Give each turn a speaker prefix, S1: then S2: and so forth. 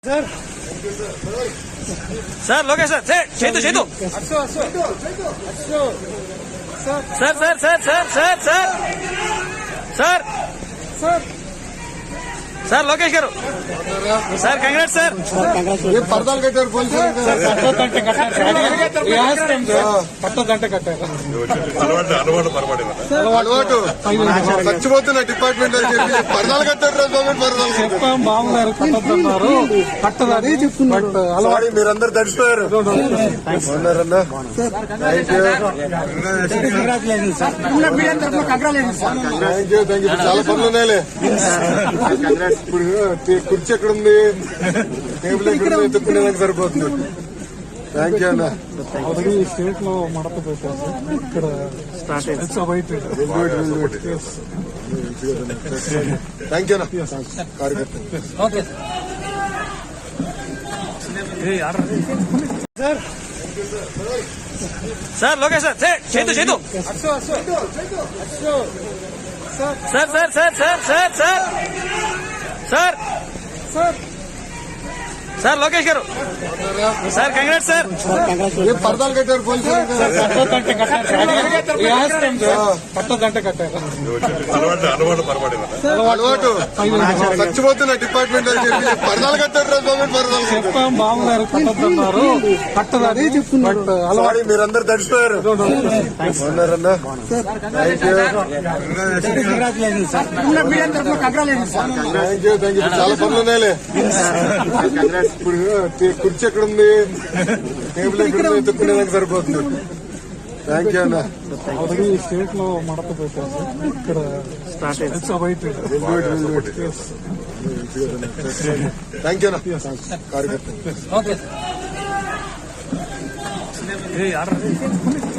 S1: sir sir Lokesh sir Chetu Chetu sir sir sir sir sir sir sir sir sir Lokesh गारू sir congrats sir
S2: పరదాలు కట్టారు పోలీసులు అలవాటు చచ్చిపోతున్న డిపార్ట్మెంట్ అని చెప్పి పరదాలు కట్టారు
S3: చెప్పాం బాగున్నారు కట్టద్దన్నారు కట్టదని చెప్తున్నారు
S2: మీరందరూ తడిచిపోయారు చాలా పనులు ఉన్నాయిలే ఇప్పుడు కుర్చీ ఎక్కడ ఉంది టేబుల్ ఎక్కడ ఉంది ఎత్తుకునేదానికి సరిపోతుంది థ్యాంక్ యూ అన్న
S3: ఆల్రెడీ స్టేట్ లో మడత పెట్టారు ఇక్కడ స్టార్ట్
S2: థ్యాంక్ యూ అన్న కార్యకర్త
S1: sir sir Lokesh sir Chetu Chetu sir sir sir sir sir sir sir sir sir Lokesh गारू सर कंग्रेट्स सर
S2: పరదాలు కట్టారు పోలీసులు అలవాటు చచ్చిపోతున్న డిపార్ట్మెంట్ అని చెప్పి పరదాలు కట్టారు
S3: చెప్పాం బాగున్నారు కట్టద్దన్నారు కట్టదని చెప్తున్నారు
S2: మీరందరూ తడిచిపోయారు థ్యాంక్ యూ చాలా పనులు ఉన్నాయిలే ఇప్పుడు కుర్చీ ఎక్కడ ఉంది టేబుల్ ఎక్కడ ఉంది ఎత్తుకునేదానికి సరిపోతుంది థ్యాంక్ యూ అన్న
S3: ఆల్రెడీ స్టేట్ లో మడత పెట్టారు ఇక్కడ స్టార్ట్
S2: థ్యాంక్ యూ అన్న కార్యకర్త